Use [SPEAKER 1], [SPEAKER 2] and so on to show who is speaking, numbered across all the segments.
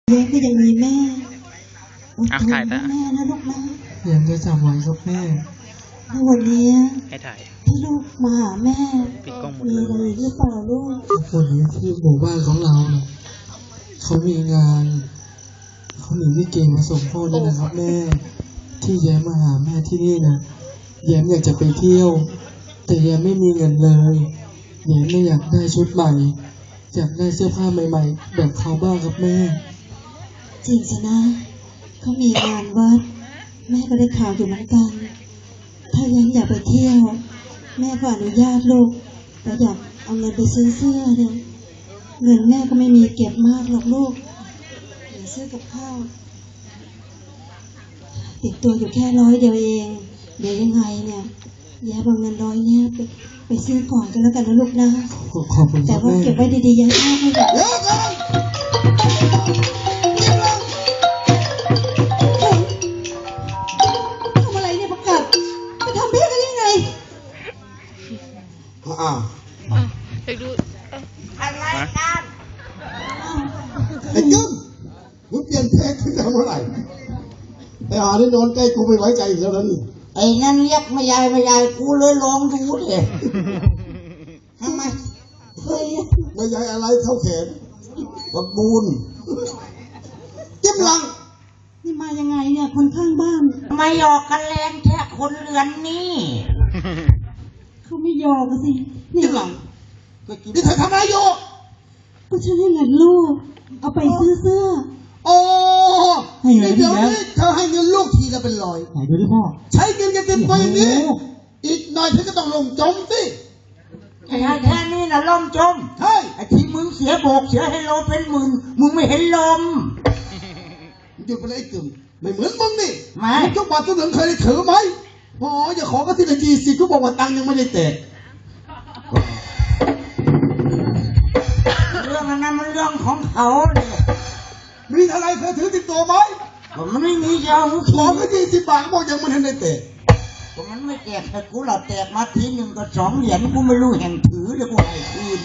[SPEAKER 1] แย้ก็ยังมีแม่อดทน
[SPEAKER 2] ถ่าย
[SPEAKER 1] นะแม่นะลูกนะ
[SPEAKER 3] ยังจะจำไว้ครับแม่
[SPEAKER 1] ในวันนี้
[SPEAKER 2] ให้ถ่าย
[SPEAKER 1] ที่ลูกมาหาแม่
[SPEAKER 2] ปิดกล้องหมด
[SPEAKER 1] มี
[SPEAKER 2] เลย
[SPEAKER 1] อะไรหรือเปล่าลูก
[SPEAKER 3] คนนี้ที่หมู่บ้านของเราเนี่ยเขามีงานเขาหนีลิเกมาส่งพ่อนี่นะครับแม่ที่แย้มมาหาแม่ที่นี่นะแย้มอยากจะไปเที่ยว แต่แย้มไม่มีเงินเลยแย้มไม่อยากได้ชุดใหม่อยากได้เสื้อผ้าใหม่ๆแบบเขาบ้างครับแม่
[SPEAKER 1] จริงสินะเขามีงานวัดแม่ก็ได้ข่าวอยู่เหมือนกัน ถ้ายังอยากไปเที่ยว แม่ก็อนุญาตลูกแต่อยากเอาเงินไปซื้อเสื้อเนี่ยเงินแม่ก็ไม่มีเก็บมากหรอกลูกเดี๋ยวซื้อกับข้าวติดตัวอยู่แค่100 เดียวเองเดี๋ยวยังไงเนี่ยแย่เอาเงิน100เนี่ยไปซื้อก่อนกันแล้วกันนะลูกนะ
[SPEAKER 3] ขอบคุณค
[SPEAKER 1] แต่
[SPEAKER 3] รับ
[SPEAKER 1] ว่า
[SPEAKER 3] แม่
[SPEAKER 1] เก็บไว้ดีๆยังไม่ให้แบบ
[SPEAKER 4] เดี๋ยวก่อน
[SPEAKER 1] ทำอะไรเนี่ยประกาศจะทำเพื่อกันยังไง
[SPEAKER 4] อ้าว
[SPEAKER 2] เด็กดู
[SPEAKER 5] อะไรกัน
[SPEAKER 4] ไอ้กึ้มมึงเปลี่ยนเพลงขึ้นมาเมื่อไหร่ไอ้หานี่โดนใกล้กูไม่ไว้ใจอีกแล้วนะนี่
[SPEAKER 5] ไอ้นั่นเรียกไม่ยายกูเลยลองดูดิทำไม
[SPEAKER 1] เฮ้ย
[SPEAKER 4] ไม่ใช่อะไรเท่าแขนบักบูนจิ้มหลัง
[SPEAKER 1] นี่มายังไงเนี่ยคนข้างบ้าน
[SPEAKER 5] ไม่หยอกกันแรงแค่คนเรือนนี่
[SPEAKER 1] เขาไม่ยอมกันสินี่
[SPEAKER 4] จิ้มหลังนี่เธอทำอะไรอยู่
[SPEAKER 1] ก็ฉันให้เงินลูกเอาไปซื้อเสื้อ
[SPEAKER 4] โอ้
[SPEAKER 3] ให้เงิน
[SPEAKER 4] เดี๋ยว
[SPEAKER 3] พี่
[SPEAKER 4] นี้เธอให้เงินลูกทีละเป็นร้อย
[SPEAKER 3] ไหนดูดิพ่อ
[SPEAKER 4] ใช้เงินกันเต็มตัวอย่างนี้ อีกหน่อยเธอก็ต้องลงจมสิ
[SPEAKER 5] ไอ้แค่นี้นะลมจม
[SPEAKER 4] ใช่
[SPEAKER 5] ไอ้ที่มึงเสียโบกเสียให้โลเป็นหมื่นมึงไม่เห็นลม
[SPEAKER 4] หยุดไปเลยไอ้กึ่มไม่เหมือนมึงนี่
[SPEAKER 5] ไม่
[SPEAKER 4] มึงทุกบาททุกสตางค์เคยได้ถือไหมอ๋ออย่าขอก็ทีละ20เขาบอกว่าตังค์ยังไม่ได้แตก
[SPEAKER 5] เรื่องนั้นมันเรื่องของเขาเนี่ย
[SPEAKER 4] มีอะไรเคยถือติดตัวไหม
[SPEAKER 5] ผมมันไม่มียาหู
[SPEAKER 4] ข
[SPEAKER 5] ขี
[SPEAKER 4] อ
[SPEAKER 5] ด
[SPEAKER 4] ก็20 บาทเขาบอกยังไม่ทันได้แตก
[SPEAKER 5] ผมมันไม่แตกแต่กูเราแตกมาทีหนึ่งก็2 เหรียญกูไม่รู้แห่งถือเลยกูให้คืน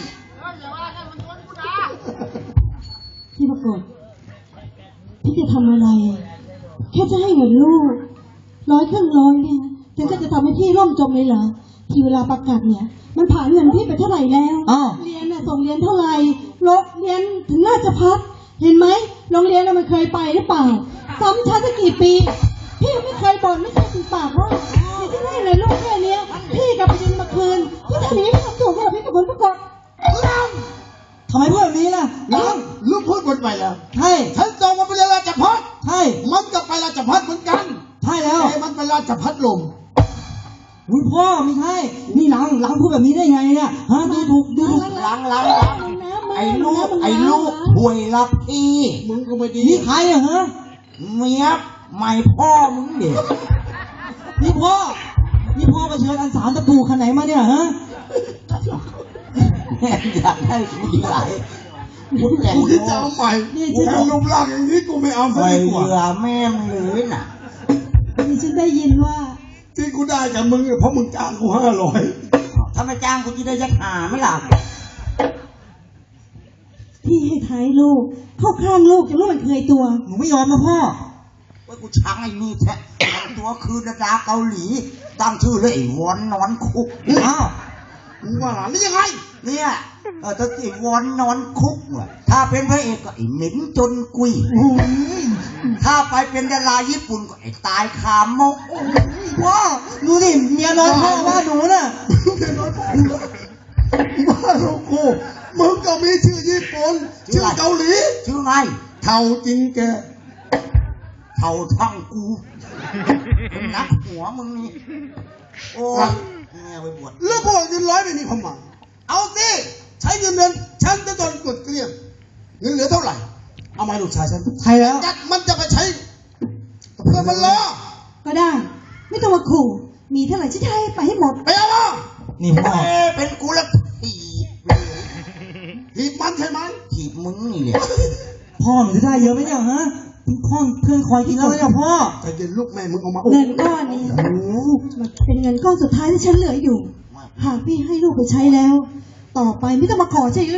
[SPEAKER 1] พี่ประกฏพี่จะทำอะไรแค่จะให้เงินลูก100 ครึ่งร้อยเนี่ยถึงก็จะทำให้พี่ร่มจมเลยเหรอที่เวลาประกาศเนี่ยมันผ่านเงินพี่ไปเท่าไหร่แล้ว
[SPEAKER 3] อ้าว
[SPEAKER 1] เรียนน่ะส่งเรียนเท่าไหร่โรงเรียนถึงราชภัฏเห็นไหมโรงเรียนน่ะมันเคยไปหรือเปล่าซ้ำชั้นตั้งกี่ปี พี่ไม่เคยบ่นไม่เคยติดปากว่าพี่จะให้เลยลูกแค่เนี้ยพี่กลับไปยืนมาคืนพี่ทำอย่างนี้พี่ทำถูกเหรอพี่กับคนประกอบ
[SPEAKER 3] ทำไมพูดแบบนี้ล่ะ
[SPEAKER 4] น้องลูกพูดหมดไปแล้ว
[SPEAKER 3] ใช่
[SPEAKER 4] ฉันส่งมาเป็นราชพัฒ
[SPEAKER 3] ใช่
[SPEAKER 4] มันก็ไปราชพัฒเหมือนกัน
[SPEAKER 3] ใช่แล้ว
[SPEAKER 4] แต่มันเป็นราชพัฒลม
[SPEAKER 3] อุ้ยพ่อไม่ใช่นี่หลังพูดแบบนี้ได้ไงเนี่ยฮะดูถูก
[SPEAKER 5] ล้างไอ้ลูกห่วยรับพี่
[SPEAKER 4] มึงก็ไม่ดี
[SPEAKER 3] นี่ใครอะฮะ
[SPEAKER 5] เมียใหม่พ่อมึงเด็ก
[SPEAKER 3] นี่พ่อไปเชิญอันสารตะปูคันไหนมาเนี่ยฮะ
[SPEAKER 5] แม่อยากให้กูดีหลายกูแต่ง
[SPEAKER 4] กูคิดจะเอาใหม่
[SPEAKER 1] นี่
[SPEAKER 4] กู
[SPEAKER 1] ฉัน
[SPEAKER 4] เป็นรูปร่างอย่างนี้กูไม่เอาซะ
[SPEAKER 5] ไป
[SPEAKER 4] ดีก
[SPEAKER 5] เห
[SPEAKER 4] ว่า
[SPEAKER 5] ลือแม่มึงเลยน่ะ
[SPEAKER 1] นี่ฉันได้ยินว่า
[SPEAKER 4] ที่กูได้จากมึงเนี่ยเพราะมึงจ้างกู500
[SPEAKER 5] ถ้าไม่จ้างกูจะได้ยัดหาไม่หลับ
[SPEAKER 1] พี่ให้ท้ายลูกเข้าข้างลูกจะรู้มันเคยตัว
[SPEAKER 3] หนูไม่ยอมนะพ่อ
[SPEAKER 5] ว่ากูช้างไอ้นี่แท้ตัวคือดาราเกาหลี ตั้งชื่อเลยไอ้วอนนอนคุก
[SPEAKER 3] อ้าว
[SPEAKER 4] มึงว่าหลานนี่ยังไง
[SPEAKER 5] เนี่ยถ้าไอ้วอนนอนคุกว่ะถ้าเป็นพระเอกก็ไอ้เหม็นจนกุยถ้าไปเป็นดาราญี่ปุ่นก็ไอ้ตายคาโมก
[SPEAKER 3] ว้าดูดิเมียน้อยพ่อว่าหนูน่ะ
[SPEAKER 4] เมียน้อยกูแล้วบ้าลูกกูมึงก็มีชื่อญี่ปุ่นชื่อเกาหลี
[SPEAKER 5] ชื่อไง
[SPEAKER 4] เท่าจริงแก
[SPEAKER 5] เท่าทั้งกูเป็นนักหัวมึงนี่โอ้ยแม่ไปบวช
[SPEAKER 4] แล้วบอกเงิน100ไม่มีความหมายเอาสิใช้เงินเดือนฉันจะโดนกดเกลี้ยงเงินเหลือเท่าไหร่เอามาให้ลูกชายฉัน
[SPEAKER 3] ใช่แล้ว
[SPEAKER 4] จัดมันจะไปใช้เพื่อนมันรอ
[SPEAKER 1] ก็ได้ ไม่ต้องมาขู่มีเท่าไหร่ฉันจะให้ไปให้หมด
[SPEAKER 4] ไปเอามา
[SPEAKER 3] นี่พ่อ
[SPEAKER 5] เป็นกูแล้วถีบ
[SPEAKER 4] ถีบมันใช่ไหม
[SPEAKER 5] ถีบมึงนี่แหละ
[SPEAKER 3] พ่อหนูจะได้เยอะไหมเนี่ยฮะเพื่อนคอยกินแล้วไหมเนี่ยพ่อ
[SPEAKER 4] แต่เย็นลูกแม่มึงเอามา
[SPEAKER 1] เงินก้อนนี้มันเป็นเงินก้อนสุดท้ายที่ฉันเหลืออยู่ หากพี่ให้ลูกไปใช้แล้ว ต่อไปไม่ต้องมาขอใช่ไหมนะ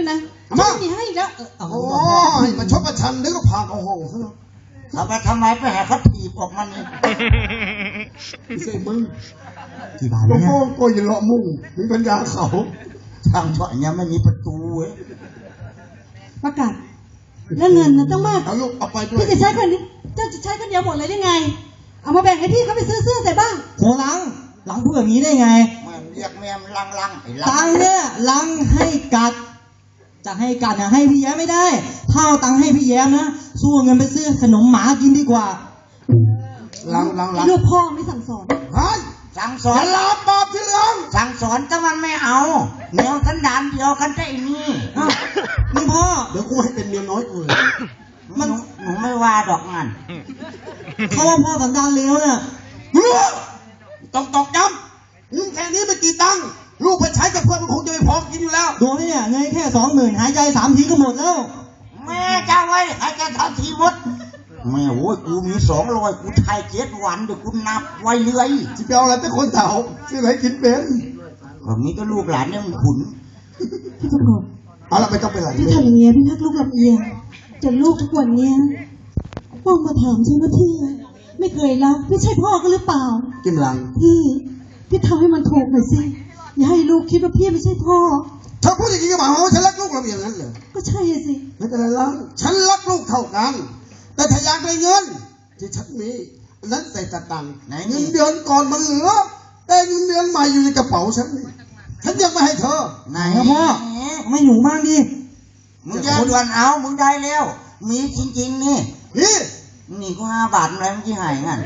[SPEAKER 4] มา
[SPEAKER 1] ไม่มีให้อีกแล้วเอา
[SPEAKER 4] โอ้ยมาชดประชันเดี๋ยวก็พาเขาห้องซะแล้ว
[SPEAKER 5] เอาไปทำไมไปหาเขาถีบออกมันนี่
[SPEAKER 4] ไม่ใช่มึง
[SPEAKER 5] กี่บาท
[SPEAKER 4] โอ้
[SPEAKER 5] เนี่ย
[SPEAKER 4] โหก็อย่าเลาะมุ่งมีปัญญาเขา
[SPEAKER 5] ทางเฉาะเนี่ยไม่มีประตูเว้ย
[SPEAKER 1] ประกาศแล้วเงินนะต้องมาก
[SPEAKER 4] เอาลูกเอาไปด้วย
[SPEAKER 1] พี่จะใช้คนนี้เจ้าจะใช้คนเดียวหมดเลยได้ไง เอามาแบ่งให้พี่เขาไปซื้อเสื้อใส่บ้าง
[SPEAKER 6] โหลังพูดแบบนี้ได้ไง
[SPEAKER 5] แม่เรียกแม่ลังไอ้ลั
[SPEAKER 6] ตังค์เนี่ยลังให้กัด จะให้กัดนะให้พี่แย้มไม่ได้ถ้าเอาตังค์ให้พี่แย้มนะสู้เงินไปซื้อขนมหมากินดีกว่า
[SPEAKER 4] ลัง
[SPEAKER 1] ไอ้ลูกพ่อไม่สั่งสอน
[SPEAKER 4] เฮ้ย
[SPEAKER 5] สั่งส
[SPEAKER 4] อ
[SPEAKER 5] อน
[SPEAKER 4] ย่าลาบาปที่เหลือง
[SPEAKER 5] สั่งสอนแต่มันไม่เอาแนวสันดานเดียวกันได้นี่
[SPEAKER 6] อ้าวนี่พ่อ
[SPEAKER 4] เดี๋ยวกูให้เป็นเมียน้อยกูเลย
[SPEAKER 5] หนูไม่ว่าดอกงาน
[SPEAKER 6] เขาว่าพ่อสันดานเลวเนี่ย
[SPEAKER 4] ต้องตอกย้ำมึงแค่นี้ไม่กี่ตังค์ลูกไปใช้กับเพื่อนมันคงจะไม่พอกินอยู่แล้ว
[SPEAKER 6] ดูไหมเนี่ยเงินแค่20,000หายใจ3 ทีก็หมดแล้ว
[SPEAKER 5] แม่เจ้าไว้ให้แกทำทีมดแม่โว้ยกูมี200กูทาย7 วันเดี๋ยวกูนับไว้เรื่อย
[SPEAKER 4] จะไปเอาอะไรเป็นคนเฒ่าซื้ออะไรกินเป็น
[SPEAKER 5] แบบนี้ก็ลูกหลานเนี่ยมันขุน
[SPEAKER 1] พี่ประกอบ
[SPEAKER 4] เอาละไม่ต้องไปไหน
[SPEAKER 1] พี่ทำอย่างเงี้ยพี่พักลูกลำเอียงจนลูกทุกวันเนี้ยพ่อมาถามฉันว่าพี่ไม่เคยรักพี่ใช่พ่อก็หรือเปล่า
[SPEAKER 4] กินหลัง
[SPEAKER 1] พี่ทำให้มันถูกหน่อยสิอย่าให้ลูกคิดว่าพี่ไม่ใช่พ่อ
[SPEAKER 4] เธอพูดอย่างนี้ก็หมายความว่าฉันรักลูกเราอย่างนั้นเหรอ
[SPEAKER 1] ก็ใช่อะสิ
[SPEAKER 4] ไม่เป็นไรแล้วฉันรักลูกเท่ากัน แต่ถ้าอยากได้เงินที่ฉันมีอันนั้นใส่ตะตังค์เงินเดือนก่อนมันเหลือ แต่เงินเดือนใหม่อยู่ในกระเป๋าฉันนี่ฉันยังไม่ให้เธอ
[SPEAKER 5] ไหน
[SPEAKER 6] ครับพ่อ ไม่หนูมากดิ
[SPEAKER 5] มึงจะด่วนเอามึงได้แล้ว มีจริงๆนี่
[SPEAKER 4] นี่
[SPEAKER 5] นี่กู5 บาทอะไรมึงที่หายงั้น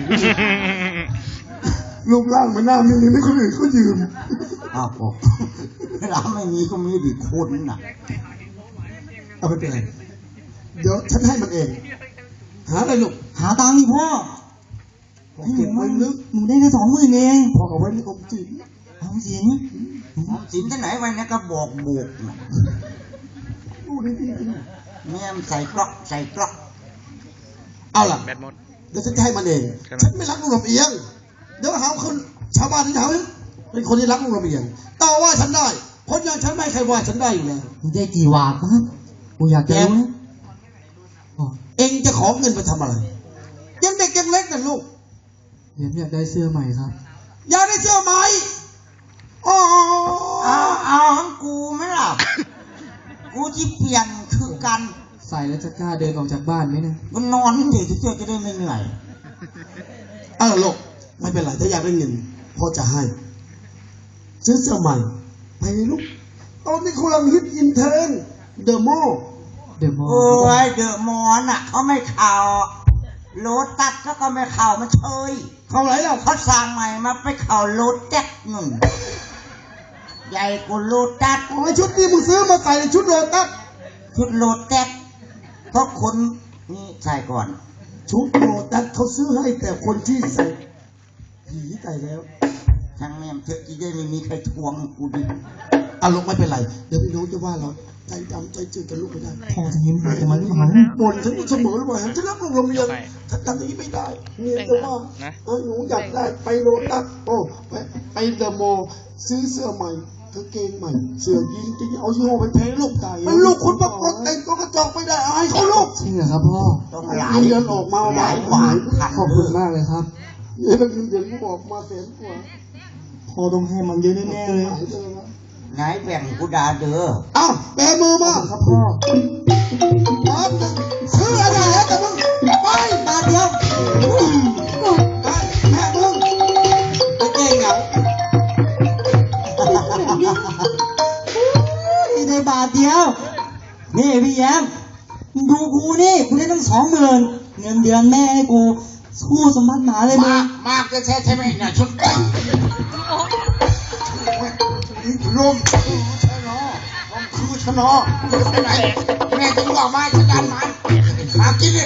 [SPEAKER 4] รูปร่างมันน่ามีไม่คนอื่นเขายืม
[SPEAKER 5] อ้าวบอกเวลาไม่มีก็มีดิคนน่ะ
[SPEAKER 4] เอาไปเป็นไรเดี๋ยวฉันให้มันเอง หาอะไรลูก
[SPEAKER 6] หาตังค์ดิพ่อ
[SPEAKER 4] ของเก็บไว้ลึก
[SPEAKER 6] หนูได้แค่20,000เอง
[SPEAKER 4] พอเอาไว้ในอมจิ๋ม
[SPEAKER 6] เอาสิน
[SPEAKER 5] สินที่ไหนไว้เนี่ยก็บอกบุกน่ะ
[SPEAKER 4] ดูดี
[SPEAKER 5] แม่มใส่กล็อกใส่กล็อก
[SPEAKER 4] ๆเอาล่ะ
[SPEAKER 2] แบตหมด
[SPEAKER 4] เดี๋ยวฉันจะให้มันเอง ฉันไม่รักลูกลำเอียง เดี๋ยวหาคนชาวบ้านที่เขาเป็นคนที่รักลูกลำเอียงต่อว่าฉันได้คนอย่างฉันไม่ใครว่าฉันได้อยู่แล้ว
[SPEAKER 6] หนูได้กี่วาทนะกูอยากจะรู้นะอ๋อ
[SPEAKER 4] เองจะขอเงินไปทำอะไร ยังเด็กยังเล็กนะลูก
[SPEAKER 3] เดี๋ยวอยากได้เสื้อใหม่ครับ
[SPEAKER 4] อยากได้เสื้อไหมอ๋อ
[SPEAKER 5] เอาของกูไหมล่ะ กูที่เปลี่ยนคือกัน
[SPEAKER 3] ใส่แล้วจะกล้าเดินออกจากบ้านไหมเนี่ย
[SPEAKER 5] กูนอนเฉยๆจะได้ไม่เหนื่อย
[SPEAKER 4] เอาล่ะลูกไม่เป็นไรถ้าอยากได้เงินพ่อจะให้ซื้อเสื้อใหม่ไปเลยลูกตอนนี้กำลังฮิตอินเทรนเดอะมอล
[SPEAKER 3] เดี๋ยวมอ
[SPEAKER 5] โอ้ยเดอะมอนอ่ะเขาไม่เข่าโลตัสก็ไม่เข่ามันเชย
[SPEAKER 4] เข้าไหนแล้ว
[SPEAKER 5] เขาสร้างใหม่มาไปเข่าโลแจ็คหนึ่งใหญ่กว่าโลตัส
[SPEAKER 4] โอ้ยชุดนี้มึงซื้อมาใส่ในชุดโลตัส
[SPEAKER 5] ชุดโลแจ็คเพราะคนนี่ใส่ก่อน
[SPEAKER 4] ชุดโลตัสเขาซื้อให้แต่คนที่ใส่ผีใส่แล้ว
[SPEAKER 5] ทางแม่มเธอที่ได้ไม่มีใครทวงกูดิ
[SPEAKER 4] อ่ะลูกไม่เป็นไรเดี๋ยวพี่น้องจะว่าเราใจดำใจจืดกันลูกไม่ได้
[SPEAKER 6] พ่อจะยิ้มให้มันทำไม
[SPEAKER 4] บ่นฉันเสมอเลยว่าฉันรักลูกเราเมียฉันทำอย่างนี้ไม่ได้เมียจะว่าหนูอยากได้ไปโลตัสโอ้ไปเดอะมอลล์ซื้อเสื้อใหม่กางเกงใหม่เสื้อยีนจะเอายี่ห้อแพงๆลูกมันลูกคุณประกอบแต่งตัวกระจอกไม่ได้อายเขาลูก
[SPEAKER 3] จริงเหรอครับพ่อ
[SPEAKER 5] ต้อง
[SPEAKER 4] ห
[SPEAKER 5] ห
[SPEAKER 4] ลา
[SPEAKER 5] ลาย ย
[SPEAKER 4] เดือนออกมา
[SPEAKER 5] หลายกว่าพัน
[SPEAKER 3] ขอบคุณมากเลยครับ
[SPEAKER 4] เดือนเดือนออกมาแสนกว่า
[SPEAKER 6] พ่อต้องให้มันเยอะแน่ๆเลย
[SPEAKER 4] หลายเดือนแล้ว
[SPEAKER 5] ไหนแบ่งกูดาเด้อ
[SPEAKER 4] อ้าวแบมือมา
[SPEAKER 3] ครับพ่อ
[SPEAKER 4] ซื้ออะไรแล้วแต่มึงไป
[SPEAKER 6] บาทเดียว
[SPEAKER 4] ไปแม่มึง
[SPEAKER 6] ไปเก่งเหงาได้บาทเดียว นี่พี่แย้มดูกูนี่กูได้ตั้ง20,000เงินเดือนแม่ให้กูสู้สมบัติหมาเลยมึง
[SPEAKER 5] มากก็ใช่ใช่ไหมเนี่ยชุดไก่ลมชะนอลมคือชะนอไปไหนแม่ถึงบอกมาจะดันมันมากินเลย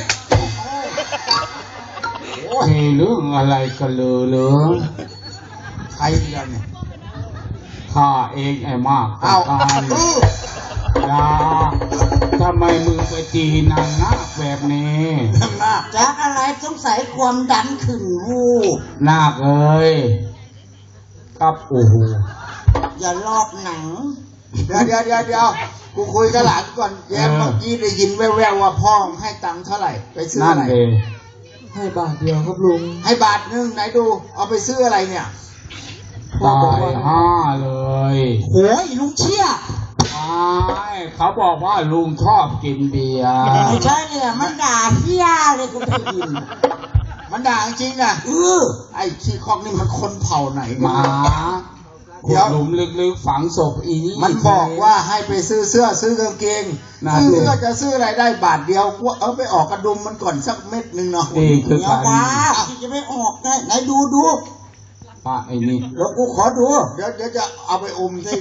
[SPEAKER 7] มีเรื่องอะไรกันเลย
[SPEAKER 5] ใครเดียวเนี่ย
[SPEAKER 7] ข้าเองไอ้มาก
[SPEAKER 5] เอา
[SPEAKER 7] การยาทำไมมึงไปตีนางนาคแบบนี้
[SPEAKER 5] จากอะไรสงสัยความดันขึ้นวูบ
[SPEAKER 7] นาคเอ้ยครับโอ้โห
[SPEAKER 5] อย่าลอกหนัง
[SPEAKER 4] เดี๋ยวกูคุยกับหลานก่อนแย้มเมื่อกี้ได้ยินแว่วๆว่าพ่อให้ตังค์เท่าไหร่ไปซื้อ
[SPEAKER 7] นั่
[SPEAKER 4] อะ
[SPEAKER 7] น
[SPEAKER 4] ไร
[SPEAKER 7] เอง
[SPEAKER 3] ให้บาทเดียวครับลุง
[SPEAKER 4] ให้บาทนึงไหนดูเอาไปซื้ออะไรเนี่ย
[SPEAKER 3] พ่อ
[SPEAKER 7] ตา
[SPEAKER 3] บอก
[SPEAKER 7] ย
[SPEAKER 3] ว่า
[SPEAKER 7] ห้าเลย
[SPEAKER 6] โอ้ยลุงเชี่ย
[SPEAKER 7] เขาบอกว่าลุงชอบกินเบียร์
[SPEAKER 5] ไม่ใช่เนี่ยมันด่าเฮียเลยกูได้ยิน
[SPEAKER 4] มันด่าจริงนะไอ้ขี้คอกนี่มันคนเผ่าไหน
[SPEAKER 7] หมา
[SPEAKER 4] เดี๋ยว
[SPEAKER 7] หลุมลึกๆฝังศพอีนี่
[SPEAKER 4] มันบอกว่าให้ไปซื้อเสื้อซื้อกางเกง
[SPEAKER 7] น่า
[SPEAKER 4] ซื้อ
[SPEAKER 7] ดู
[SPEAKER 4] เสื้อจะซื้ออะไรได้บาทเดียวกูเอาไปออกกระดุมมันก่อนสักเม็ดนึงเนาะ
[SPEAKER 7] นี่คือ
[SPEAKER 5] อย่า
[SPEAKER 7] การ
[SPEAKER 5] ว่าที่จะไม่ออกได้ไหนดู
[SPEAKER 7] พระไอ้นี่
[SPEAKER 5] แล้วกูขอดู
[SPEAKER 4] เดี๋ยวจะเอาไปอมสิ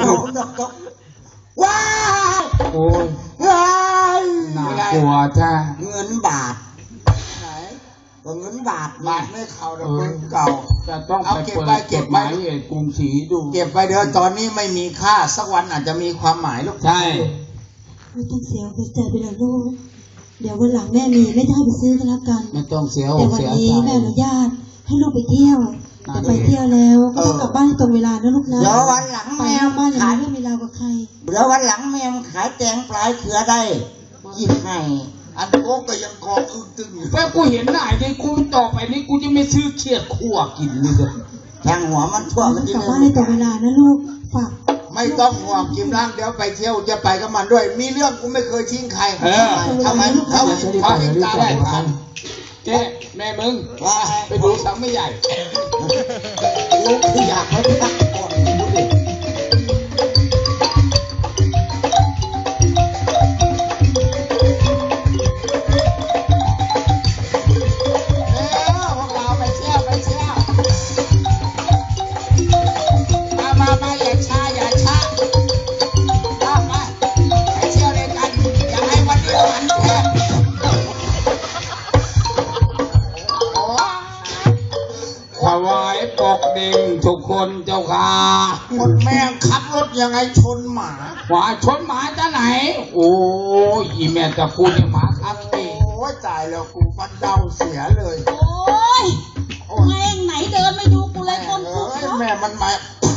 [SPEAKER 5] ว้าว
[SPEAKER 7] โอ้ย
[SPEAKER 5] ว้าว
[SPEAKER 7] น่ากลัวแท้
[SPEAKER 5] เงินบาท
[SPEAKER 4] ไหน
[SPEAKER 5] ก็เงินบาท
[SPEAKER 4] บาทไม่เข้าดอกเงินเก่า
[SPEAKER 7] จะต้อง
[SPEAKER 4] เอา
[SPEAKER 7] ไป
[SPEAKER 4] เก็บ
[SPEAKER 7] เปิด
[SPEAKER 4] ไว้
[SPEAKER 7] จ
[SPEAKER 4] เก็บ
[SPEAKER 7] ดห
[SPEAKER 4] ไว้
[SPEAKER 7] มายเหตุกรุงศรีดู
[SPEAKER 4] เก็บไปเดี๋ยวตอนนี้ไม่มีค่าสักวันอาจจะมีความหมายลูก
[SPEAKER 7] ใช่
[SPEAKER 1] ไม่ต้องเสียหัวใจไปเลยลูก เดี๋ยววันหลังแม่มีไม่ได้ไปซื้อกันแล้วกัน
[SPEAKER 7] ไม่ต้องเสียอ
[SPEAKER 1] แต่
[SPEAKER 7] ก
[SPEAKER 1] วัน
[SPEAKER 7] เสีย
[SPEAKER 1] นี้
[SPEAKER 7] ใจ
[SPEAKER 1] แม่อนุญาตให้ลูกไปเที่ยว แต่ไปเที่ยวแล้วก็ต้องกลับบ้านให้ตรงเวลานะลูกนะ
[SPEAKER 5] เดี๋ยววันหลัง
[SPEAKER 1] ไป
[SPEAKER 5] แม
[SPEAKER 1] น
[SPEAKER 5] ว
[SPEAKER 1] อกบ้านอย่า
[SPEAKER 5] ขาย
[SPEAKER 1] มีเรื่องมีราวกับใคร
[SPEAKER 5] เดี๋ยววันหลังแมวขายแตงปลายเขือได้หยิบให้
[SPEAKER 4] อันโก้ก็ยังกองอึ้งตึงอยู่
[SPEAKER 7] แต่กูเห็นหน้าไอ้นี่กูต่อไปนี้กูจะไม่ซื้อเขียดขั่วกินเลยเด้อ
[SPEAKER 5] แทงหัวมันทั่วมัน
[SPEAKER 1] ก
[SPEAKER 5] ที่
[SPEAKER 1] ลับ
[SPEAKER 5] นึ
[SPEAKER 1] บ้าง นให้ตรงเวลานะลูก ฝาก
[SPEAKER 4] ไม่ต้องห่วงกิมร่างเดี๋ยวไปเที่ยวจะไปกับมันด้วย มีเรื่องกูไม่เคยทิ้งใคร
[SPEAKER 7] เออ
[SPEAKER 4] ทำไมทำไมเขาทิ้งตาได้ทัน
[SPEAKER 7] เจ๊แม่มึง
[SPEAKER 5] ว่า
[SPEAKER 7] ไปดูสังไม่ใหญ่
[SPEAKER 5] ลูกที่อยากให้พักก่อนดูดิ
[SPEAKER 4] พวกเราไปเที่ยวมาอย่าช้าไปเที่ยวด้วยกันอย่าให้วันนี้มันแค่โอ้
[SPEAKER 7] ถวายปกดิ่งทุกคนเจ้าค่ะ
[SPEAKER 4] หมดแม่งขับรถยังไงชนหมา
[SPEAKER 7] หมาชนหมาจะไหน โอ้ยอีแม่ตะกูเนี่ยหมาคักเอง
[SPEAKER 4] โอ้ยตายแล้วกูฟันเดาเสียเลย
[SPEAKER 8] โอ้ยแม่งไหนเดินไม่ดูกูเลยคน
[SPEAKER 4] เอ
[SPEAKER 8] คุก้
[SPEAKER 4] ย
[SPEAKER 8] เนาะ
[SPEAKER 4] แม่มันมา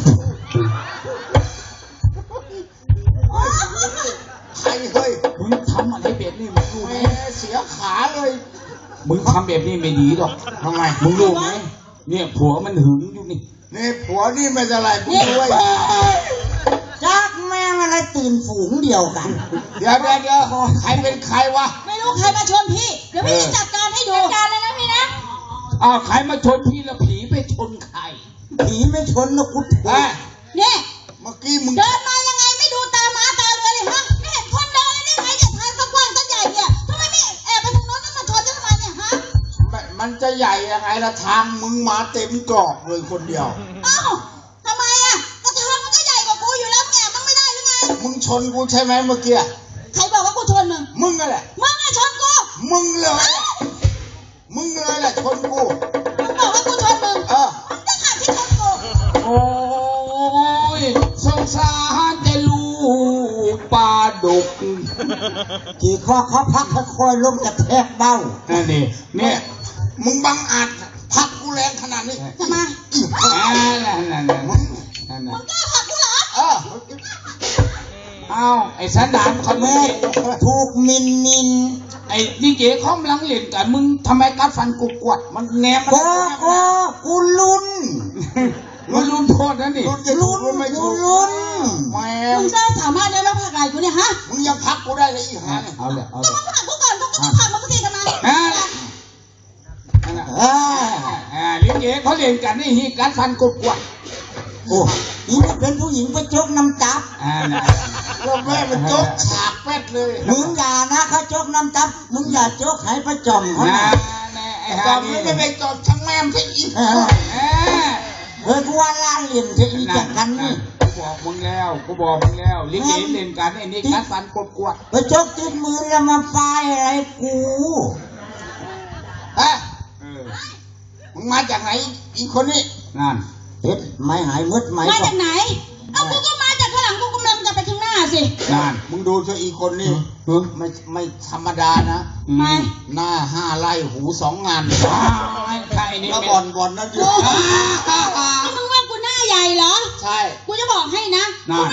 [SPEAKER 4] ใครเฮ้ย
[SPEAKER 7] มึงทำอะไรแบบนี้มึงรู้ไหม
[SPEAKER 4] แม่เสียขาเลย
[SPEAKER 7] มึงทำแบบนี้ไม่ดีหรอก
[SPEAKER 4] ทำไม
[SPEAKER 7] มึงรู้ไหมเนี่ยผัวมันหึงอยู่นี่
[SPEAKER 4] นี่ผัวนี่ไม่จะไรมึงด้วย
[SPEAKER 5] จักแม่งอะไรตื่นฝูงเดียวกัน
[SPEAKER 4] เดี๋ยวใครเป็นใครวะ
[SPEAKER 8] ไม่รู้ใครมาชนพี่ เดี๋ยวพี่จะจัดการให้ดูจัดการเลยนะพี่นะ
[SPEAKER 7] อ้าวใครมาชนพี่แล้วผีไปชนใคร
[SPEAKER 5] ผีไม่ชนนะกูถูก
[SPEAKER 4] เอ้ย
[SPEAKER 8] เนี่ย
[SPEAKER 4] เมื่อกี้มึง
[SPEAKER 8] เดินมายังไงไม่ดูตาหมาตาเรือเลยฮะไม่เห็นคนเดินเลยได้ไงเนี่ยทางสักกว้างสักใหญ่เนี่ยทำไมไม่แอบไปทางโน้นแล้วมาชนฉันทำไมเนี่ยฮะ
[SPEAKER 4] มันจะใหญ่ยังไงละทางมึงมาเต็มกรอบเลยคนเดียว
[SPEAKER 8] เอ้าทำไมอ่ะก็ทางมันก็ใหญ่กว่ากูอยู่แล้วแอบมันไม่ได้หรือไง
[SPEAKER 4] มึงชนกูใช่ไหมเมื่อกี้
[SPEAKER 8] ใครบอกว่ากูชนมึง
[SPEAKER 4] มึงนั่นแหละ
[SPEAKER 8] มึงไงชนกู
[SPEAKER 4] มึงเลยแหละชนกู
[SPEAKER 8] มึงบอกว่ากูชนมึง
[SPEAKER 4] เออ
[SPEAKER 8] มึงจะขับที่ชนกู
[SPEAKER 7] โอ้ยสงสารจะลูกปลาดุก
[SPEAKER 5] กี่ข้อเขาพักค่อยๆลงกระแทกเบ้า
[SPEAKER 7] นั่นนี่เนี่ย
[SPEAKER 4] มึงบังอาจพักกูแรงขนาดนี้
[SPEAKER 8] ทำไม
[SPEAKER 7] นั่น
[SPEAKER 8] มึงกล้าผลักกูเหรอ
[SPEAKER 4] เออ
[SPEAKER 7] เอาไอ้สันดานเขา
[SPEAKER 5] แม่
[SPEAKER 7] แม่
[SPEAKER 5] ถูกมิน
[SPEAKER 7] ไอ้ดีเจเขากำลังเล่นกันมึงทำไมกัดฟันกูกวดมันแนมมัน
[SPEAKER 5] กูลุ้น
[SPEAKER 7] มันรุนโทษนะนี่
[SPEAKER 4] รุ่นจะถูกหรือไม่ถูก
[SPEAKER 5] ลุ้น
[SPEAKER 4] แม่
[SPEAKER 8] มึงได้สามารถได้มาผลักไหล่กูเนี่ยฮะ
[SPEAKER 4] มึงยังพักกูได้เลยอีห่าเนี่ย
[SPEAKER 7] เอาเลยเอา
[SPEAKER 8] ก็
[SPEAKER 7] เลย
[SPEAKER 8] มึงผลักกูก่อนพวกกูจะผลักมึงก็ทีทำไม
[SPEAKER 7] ลิเกเขาเล่นกันนี่ฮีกัดฟันกูกวด
[SPEAKER 5] โอ้นี่เป็นผู้หญิงไปจกน้ำจับ
[SPEAKER 4] แล้วแม่มันจกฉากแป๊ดเลย
[SPEAKER 5] มึงอย่านะเขาจกน้ำจับ มึงอย่าจกให้ประจอมเขา
[SPEAKER 7] นะ
[SPEAKER 5] นะ
[SPEAKER 7] ไอ้
[SPEAKER 4] จ
[SPEAKER 7] ฮา
[SPEAKER 4] อม
[SPEAKER 7] นี่
[SPEAKER 4] ไม่ไปจอบช่างแม่มที่อีก
[SPEAKER 5] เฮ้ยกูว่าล่าเหลี่ยมจะอีกกันนี่
[SPEAKER 7] กูบอกมึงแล้วลิเกเล่นกันไอ้นี่กัดฟันกูกวด
[SPEAKER 5] ไปจกติดมือแล้วมาป้ายอะไรกู
[SPEAKER 4] เฮ้ยมึงมาจากไหนอีกคนนี้
[SPEAKER 7] นั่น
[SPEAKER 5] เฮ็ดไม่หายมืดไหม
[SPEAKER 8] มาจากไหน เอากูก็มาจากข้างหลังกูกำลังจะไปข้างหน้าสิ
[SPEAKER 7] นั่น
[SPEAKER 4] มึงดูเธออีกคนนี่ไม่ธรรมดานะ
[SPEAKER 8] ไม่
[SPEAKER 4] หน้า5 ไร่หู 2 งาน
[SPEAKER 7] ใครนี่
[SPEAKER 4] แล้ว
[SPEAKER 7] เป็น
[SPEAKER 4] บอลนั่นอยู่
[SPEAKER 8] นี่มึงว่ากูหน้าใหญ่เหรอ
[SPEAKER 4] ใช่
[SPEAKER 8] กูจะบอกให้นะ กูไม่หน้าใหญ่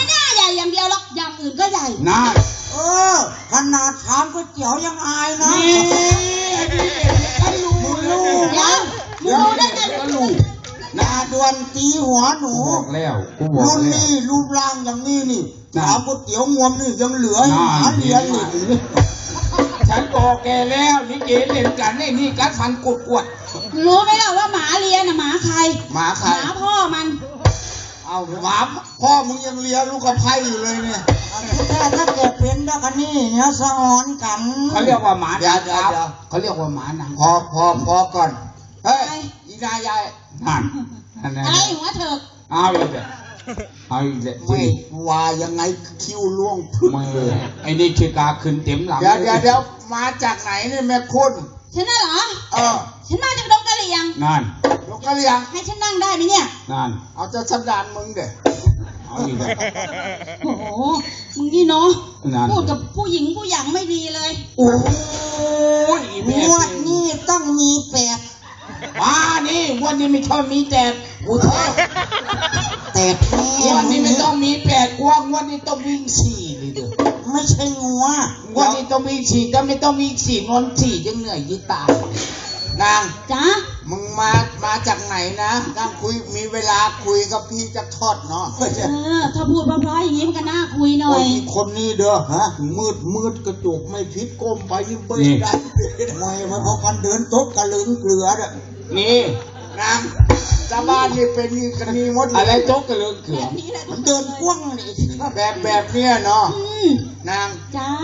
[SPEAKER 8] อย่างเดียวหรอกอย่างอื่นก็ใหญ่
[SPEAKER 7] นั่น
[SPEAKER 5] ขนาดถามก๋วยเตี๋ยวยังอายนะ
[SPEAKER 7] นี่ก็รู้
[SPEAKER 8] เดี๋ยวมึงรู้ได้ไง
[SPEAKER 7] ก็รู้
[SPEAKER 5] นาดวนตีหัวหนู
[SPEAKER 7] บอกแล้วกูบอก
[SPEAKER 5] รุ่น
[SPEAKER 7] แล้ว
[SPEAKER 5] นี้รูปร่างอย่างนี้นี่
[SPEAKER 7] น่ะ
[SPEAKER 5] ถามก๋วยเตี๋ยวงวมนี่ยังเหลือให้หมาเลี้ยงอีก
[SPEAKER 7] ฉันบอกแกแล้วนี่เกเล่นกันนี่กัดฟันกดกวด
[SPEAKER 8] รู้ไหมล่ะว่าหมาเลียน่ะหมาใคร
[SPEAKER 5] หมาใค
[SPEAKER 8] ห
[SPEAKER 5] ร
[SPEAKER 8] มาพ่อมัน
[SPEAKER 5] เอาหมาพ่อมึงยังเลี้ยงลูกกระไพอยู่เลยเนี่ยถ้าเกิดเป็นแล้วกันนี่เนี่ยสะออนกัน
[SPEAKER 7] เขาเรียกว่าหมา
[SPEAKER 5] เดี๋ยว
[SPEAKER 7] ครับเขาเรียกว่าหมาหนัง
[SPEAKER 5] พอก่อน เฮ้ย
[SPEAKER 7] อีนายายนั่นนั่น
[SPEAKER 8] อะไรหัวเถิก
[SPEAKER 7] เอาอีกเลยเอาอีกเลย
[SPEAKER 5] ไม่ว่ายังไงคิ้วล่วงพึ่ง
[SPEAKER 7] มือไอ้นี่คือกาขึ้นเต็มหลัง
[SPEAKER 5] เดี๋ยวมาจากไหนเนี่ยแม่คุณ
[SPEAKER 8] ฉันน่ะเหรอ ฉันมาจากดงกะเหรี่ยง
[SPEAKER 7] นั่น
[SPEAKER 5] ลูกกระเลียง
[SPEAKER 8] ให้ฉันนั่งได้ไหมเนี่ย
[SPEAKER 7] นั่น
[SPEAKER 5] เอาจะสันดานมึงเด้
[SPEAKER 7] เอาอีกเลย
[SPEAKER 8] โอ้โห มึงนี่เนาะ
[SPEAKER 7] นั่น
[SPEAKER 8] พูดกับผู้หญิงผู้หญิงไม่ดีเลย
[SPEAKER 7] โอ้ยอีแม่
[SPEAKER 5] งวดนี้ต้องมีแปด
[SPEAKER 7] มานี่วันนี้ไม่ชอบมีแต่กูชอบ
[SPEAKER 5] แตกแน่
[SPEAKER 7] วันนี้ไม่ต้องมี8 กว้างวันนี้ต้องวิ่ง4เลยเด้อ
[SPEAKER 5] ไม่ใช่งัว
[SPEAKER 7] วันนี้ต้องวิ่ง4ถ้าไม่ต้องวิ่ง4นอน4ยังเหนื่อยยิ่ตาย
[SPEAKER 5] นาง
[SPEAKER 8] จ้า
[SPEAKER 5] มึงมาจากไหนนะนั่งคุยมีเวลาคุยกับพี่จะทอดเนาะ
[SPEAKER 8] ถ้าพูดเพราะๆอย่างนี้มันก็น่าคุยหน่อย
[SPEAKER 5] คนนี้เด้อฮะมืดกระจกไม่พิษก้มไปยิ่งเบิ้ลได้ไม่มันเพราะมันเดินตบกระลึงเกลือเด้อ
[SPEAKER 7] นี่
[SPEAKER 5] นางชาวบ้านนี่เป็นกันมีหมดเลย
[SPEAKER 7] อะไรโจ๊กกระเลือกเขือ
[SPEAKER 5] มันเดินกว้างนี่แบบเนี้ยเนาะ นาง
[SPEAKER 8] จ้า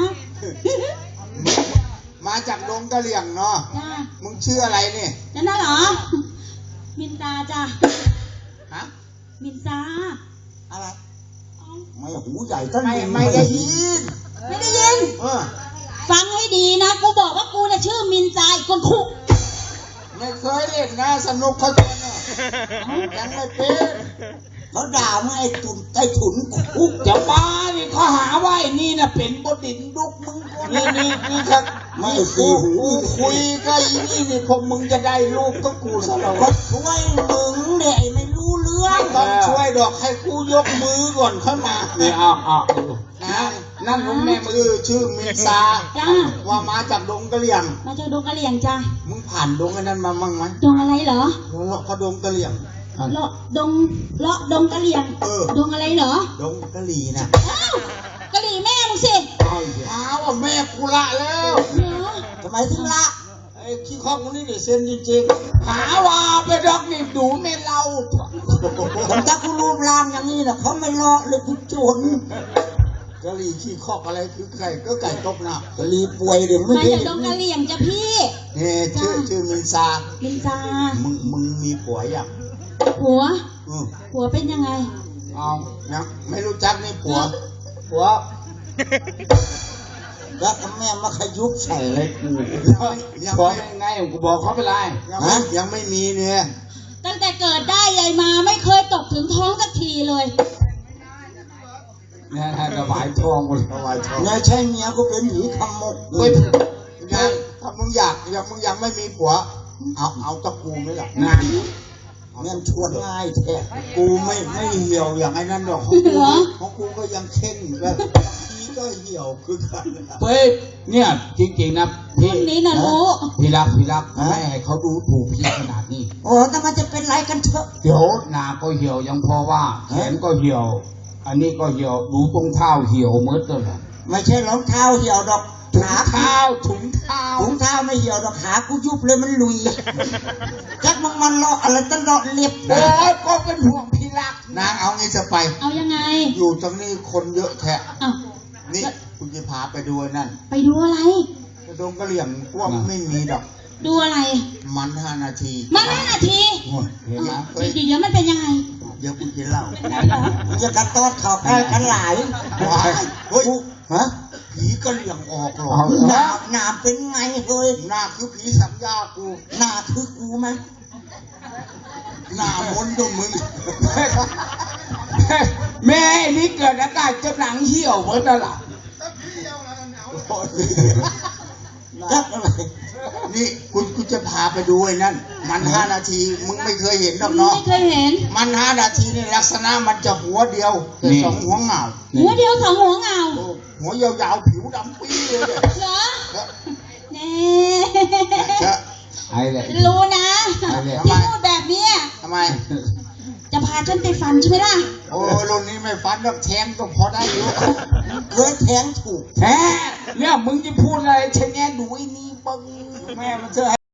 [SPEAKER 5] มาจากดงกะเหลี่ยงเนาะ
[SPEAKER 8] จ้า
[SPEAKER 5] มึงชื่ออะไรเนี่ย
[SPEAKER 8] นั่นน่ะเหรอ มินตาจ้า
[SPEAKER 5] ฮะ
[SPEAKER 8] มินตา
[SPEAKER 5] อะไร
[SPEAKER 8] เอ้า
[SPEAKER 5] ไม่หูใหญ่ต้นไม่ได้ยิน
[SPEAKER 8] ไม่ได้ยิน ฟังให้ดีนะ กูบอกว่ากูน่ะชื่อมินตาอีกคนคุก
[SPEAKER 5] ไม่เคยเล่นนะสนุกเขาชวนยังไม่เป็นเขาด่ามึงไอ้ตุ่นไอ้ถุนคุก
[SPEAKER 7] จะบ้านี่เขาหาว่าไอ้นี่น่ะเป็นบดินดุกมึงก็
[SPEAKER 5] นี่ครับไม่กูคุยกับอีนี่พวกมึงจะได้ลูกก็กูซะแล้วก็ช่วยมึงเด็กไม่รู้เรื่องต้องช่วยดอกให้กูยกมือก่อนเข้ามา
[SPEAKER 7] นี่เอานั่นลุงแม่มือ
[SPEAKER 5] ชื่อมินซา
[SPEAKER 8] จ้า
[SPEAKER 5] ว่ามาจากดงกะเหลี่ยง
[SPEAKER 8] มาจากดงกะเหรี่ยงจ้า
[SPEAKER 5] มึงผ่านดงไอ้นั้นมามั่งไหม
[SPEAKER 8] ดงอะไรเหรอ
[SPEAKER 5] เลาะเขาดงกะเหลี่ยง
[SPEAKER 8] เลาะดงดงกะเหรี่ยง ดงอะไรเหรอ
[SPEAKER 5] ดงกะหรี่นะ
[SPEAKER 8] อ้าวกะเหรี่แม่มึงสิ
[SPEAKER 5] อ้าวว่าแม่กูละแล้ว
[SPEAKER 8] เหรอ
[SPEAKER 5] ทำไมถึงละไอ้ขี้ข้องคนนี้เดี๋ยวเซ็นจริงๆ
[SPEAKER 7] หาว่าไปดอกนี่ดูไม่เล่า
[SPEAKER 5] ผมถ้ากูรูปร่างอย่างนี้นะเขาไม่เลาะเลยกูจนกะหรี่ขี้ข้องอะไรคือไก่ก็ไก่ตกหน้ากะหรี่ป่วยเดี๋ยวไม่
[SPEAKER 8] มา
[SPEAKER 5] ได้
[SPEAKER 8] จากดงกะเหรี่ยงจ้ะพี่
[SPEAKER 5] เนี่ยชื่อมินซา
[SPEAKER 8] มินตา
[SPEAKER 5] มึงมีผัวยัง
[SPEAKER 8] หัว
[SPEAKER 5] อืม
[SPEAKER 8] หัวเป็นยังไง
[SPEAKER 5] เอานะไม่รู้จักนี่ผัวแล้วแม่มาขยุบใส่เลยกูยัง
[SPEAKER 7] บอก
[SPEAKER 5] ไม่
[SPEAKER 7] ไงกูบอกเขาไปเลย
[SPEAKER 5] ยังไม่มีเนี่ย
[SPEAKER 8] ตั้งแต่เกิดได้ใหญ่มาไม่เคยตกถึงท้องสักทีเลย
[SPEAKER 7] เนี่ยถวายทองหมด
[SPEAKER 5] เนี่ยใช่เมียกูเป็นหมีขมก
[SPEAKER 7] เฮ้ย
[SPEAKER 5] ยังถ้ามึงยังไม่มีผัวเอาตะกูไหมล่ะ
[SPEAKER 7] นาน
[SPEAKER 5] เนี่ยชวนง่ายแท้กูไม่เหี่ยวอย่างไอ้นั่นหรอกของกูก็ยังเข่งแบบทีก็เหี่ยวคือกัน
[SPEAKER 7] เฮ้ยเนี่ยจริงๆนะพี่
[SPEAKER 8] คนนี้น่ะรู้
[SPEAKER 7] พี่รักไม่ให้เขาดูถูกพี่ขนาดนี้
[SPEAKER 5] โอ้แต่มันจะเป็นไรกันเถอะ
[SPEAKER 7] เดี๋ยวหน้าก็เหี่ยวยังพอว่าแขนก็เหี่ยว อันนี้ก็เหี่ยวดูตรงเท้าเหี่ยวหมดเลย
[SPEAKER 5] ไม่ใช่รองเท้าเหี่ยวดอก
[SPEAKER 7] ถุงเท้าถุงเท้า
[SPEAKER 5] ถุงเท้าไม่เหี่ยวดอกขากูยุบเลยมันลุยจักมึงมันเลาะอะไรตั้งเลาะเล็บ
[SPEAKER 7] โอ้ยก็เป็นห่วงพี่รัก
[SPEAKER 5] นางเอางี้จะไป
[SPEAKER 8] เอายังไง
[SPEAKER 5] อยู่ตรงนี้คนเยอะแท้
[SPEAKER 8] อ้าว
[SPEAKER 5] นี่คุณจะพาไปดูนั่น
[SPEAKER 8] ไปดูอะไร
[SPEAKER 5] กระดงกระเหลี่ยงพวกไม่มีดอก
[SPEAKER 8] ดูอะไร
[SPEAKER 5] มัน5 นาที
[SPEAKER 8] มา5 นาที
[SPEAKER 7] เห็นไหม
[SPEAKER 8] เดี๋ยวมันเป็นยังไง
[SPEAKER 5] เดี๋ยวคุณจะเล่า
[SPEAKER 8] เป็นไงเหรอ
[SPEAKER 5] มันจะกันตอดข่าวใกล้กันหลายเฮ้ยฮะผีกระเหลี่ยงออกหรอหน้าเป็นไงเฮ้ยหน้าคือผีสัญญากูหน้าคือกูไหมหน้ามนต์ด้วยมึง
[SPEAKER 7] แม่นี่เกิดอากาศจะหนังเหี่ยวเหมือนนั่นแหละ
[SPEAKER 5] จักอะไรนี่กูจะพาไปดูไอ้นั่นมัน5 นาทีมึงไม่เคยเห็นหรอกเนาะ
[SPEAKER 8] ไม่เคยเห็น
[SPEAKER 5] มัน5 นาทีนี่ลักษณะมันจะหัวเดียวแต่สองหัวเหงา
[SPEAKER 8] หัวเดียวสองหัวเงา
[SPEAKER 5] โอ้หัวยาวๆผิวดำปี้เลยเนี่ย
[SPEAKER 8] เหรอแน่
[SPEAKER 7] ไอ้แหละ
[SPEAKER 8] รู้นะ
[SPEAKER 7] อะไร
[SPEAKER 8] ที่พูดแบบเนี้ย
[SPEAKER 5] ทำไม
[SPEAKER 8] จะพาฉันไปฟันใช่ไหมล่ะ
[SPEAKER 5] โอ้รุ่นนี้ไม่ฟันหรอกแทงก็พอได้อยู่เคยแทงถูก
[SPEAKER 7] แท้เนี่ยมึงจะพูดอะไรชะแงดูไอ้นี่บัง
[SPEAKER 5] แม่มันเชื่อให้